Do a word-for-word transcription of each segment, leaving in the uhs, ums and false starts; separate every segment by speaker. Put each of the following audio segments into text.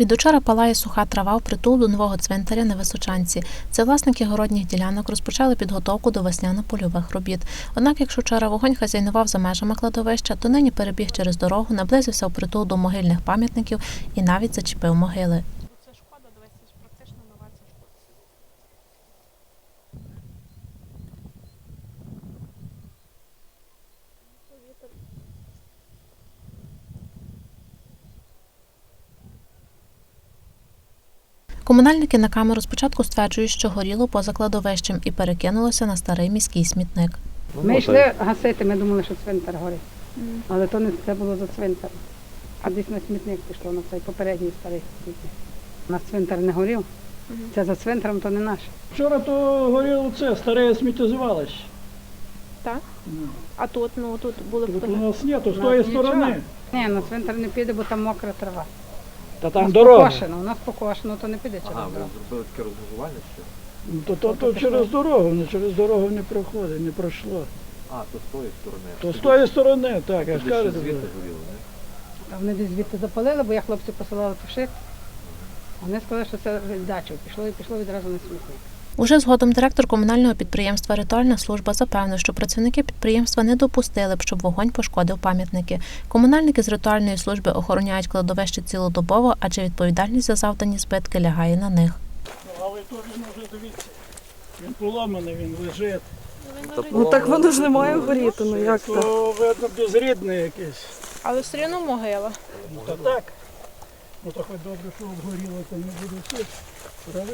Speaker 1: Від учора палає суха трава впритул до нового цвинтаря на Височанці. Це власники городніх ділянок розпочали підготовку до весняно-польових робіт. Однак, якщо вчора вогонь хазяйнував за межами кладовища, то нині перебіг через дорогу, наблизився впритул до могильних пам'ятників і навіть зачепив могили.
Speaker 2: Це шкода, дивись, це ж практично нова ця шкода.
Speaker 1: Комунальники на камеру спочатку стверджують, що горіло поза кладовищем і перекинулося на старий міський смітник.
Speaker 3: Ми йшли гасити, ми думали, що цвинтар горить. Але то не це було за цвинтаром. А десь на смітник пішло, на цей попередній старий смітник. У нас цвинтар не горів. Це за цвинтаром, то не наш.
Speaker 4: Вчора то горіло це, старе сміттєзвалище.
Speaker 2: Так? А тут, ну, тут були
Speaker 4: Тут у
Speaker 2: фотографії.
Speaker 4: нас ні, то з
Speaker 3: У
Speaker 4: тої
Speaker 3: нас нічого.
Speaker 4: сторони.
Speaker 3: Ні, на цвинтар не піде, бо там мокра трава.
Speaker 4: Та
Speaker 3: У
Speaker 4: там
Speaker 3: нас
Speaker 4: дорога.
Speaker 3: покошено, у нас покошено, то не піде через
Speaker 5: Ага, ви
Speaker 3: дорогу.
Speaker 5: зробили таке розмежування ще?
Speaker 4: Ну, То, то, то через дорогу, не через дорогу не проходить, не пройшло.
Speaker 5: А, то з тої сторони.
Speaker 4: То з тої сторони, так, я ж
Speaker 5: Туди ще
Speaker 4: кажу.
Speaker 5: звідти горіло, не?
Speaker 3: Та вони десь звідти запалили, бо я хлопців посилала тушити. Вони сказали, що це від дачі. Пішло і пішло відразу на смітник.
Speaker 1: Уже згодом директор комунального підприємства «Ритуальна служба» запевнив, що працівники підприємства не допустили б, щоб вогонь пошкодив пам'ятники. Комунальники з ритуальної служби охороняють кладовище цілодобово, адже відповідальність за завдані збитки лягає на них.
Speaker 4: Ну, але то він вже, дивіться, він поломаний, він лежить.
Speaker 6: Ну так воно ж не має горіти, ну як так?
Speaker 4: То, видно, безрідний якийсь.
Speaker 2: Але все одно могила.
Speaker 4: Ну, то так. Ну, то хоч добре, що обгоріло, то не буде все. Правильно?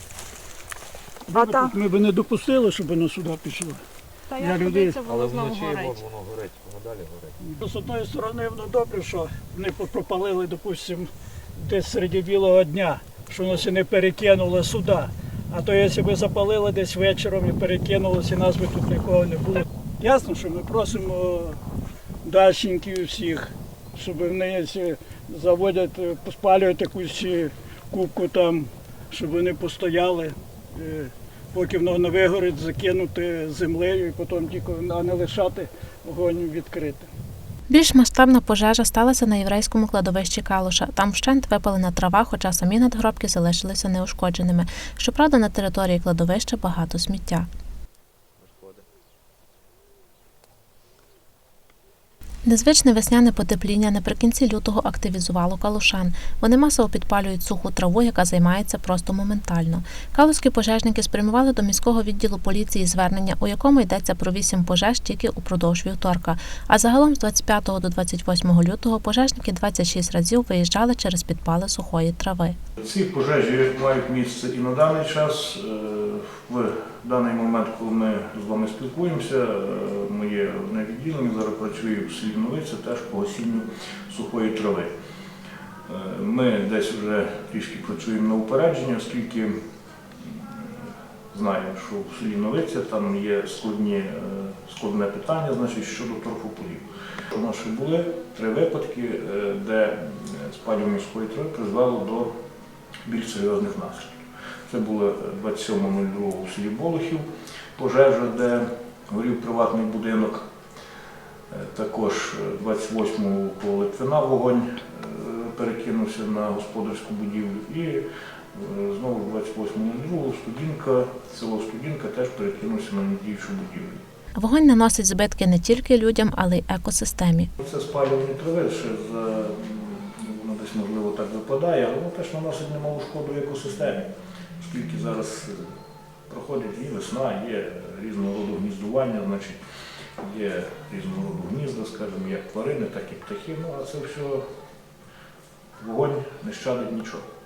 Speaker 6: А та?
Speaker 4: Ми б не допустили, щоб воно сюди пішло.
Speaker 2: Та
Speaker 4: Я
Speaker 2: як
Speaker 4: людей.
Speaker 2: подивиться,
Speaker 5: Але
Speaker 2: воно знову
Speaker 5: вночі
Speaker 2: горить.
Speaker 5: воно горить, воно далі горить.
Speaker 4: З одної сторони, воно добре, що вони пропалили, допустимо, десь серед білого дня, що воно не перекинуло сюди. А то якщо б запалили десь вечором і перекинулося, нас би тут нікого не було. Ясно, що ми просимо дачників всіх, щоб вони, якщо заводять, спалюють якусь кубку там, щоб вони постояли, е, поки воно не вигорить, закинути землею і потім тільки, а не лишати вогонь відкритим.
Speaker 1: Більш масштабна пожежа сталася на єврейському кладовищі Калуша. Там вщент випалена трава, хоча самі надгробки залишилися неушкодженими. Щоправда, на території кладовища багато сміття. Незвичне весняне потепління наприкінці лютого активізувало калушан. Вони масово підпалюють суху траву, яка займається просто моментально. Калузькі пожежники спрямували до міського відділу поліції звернення, у якому йдеться про вісім пожеж тільки упродовж вівторка. А загалом з двадцять п'ятого до двадцять восьмого лютого пожежники двадцять шість разів виїжджали через підпали сухої трави.
Speaker 7: Ці пожежі мають місце і на даний час. В даний момент, коли ми з вами спілкуємося, моє одне відділення зараз працює в селі Новиця теж по гасінню сухої трави. Ми десь вже трішки працюємо на упередження, оскільки знаємо, що в селі Новиця там є складні, складне питання, значить, щодо торфополів. У нас ще були три випадки, де спалювання сухої трави призвело до більш серйозних наслідків. Це було двадцять сьомого нуль другого у селі Болохів, пожежа, де горів приватний будинок. Також двадцять восьмого коло Литвина вогонь перекинувся на господарську будівлю. І знову двадцять восьмого нуль другого Студінка, село Студінка теж перекинувся на недіючу будівлю.
Speaker 1: Вогонь наносить збитки не тільки людям, але й екосистемі.
Speaker 7: Це спалювання трави, ще за, воно десь можливо так випадає, але воно теж наносить немалу шкоду екосистемі. Оскільки зараз проходить і весна, є різного роду гніздування, значить, є різного роду гнізда, скажімо, як тварини, так і птахи, ну а це все, вогонь не щадить нічого.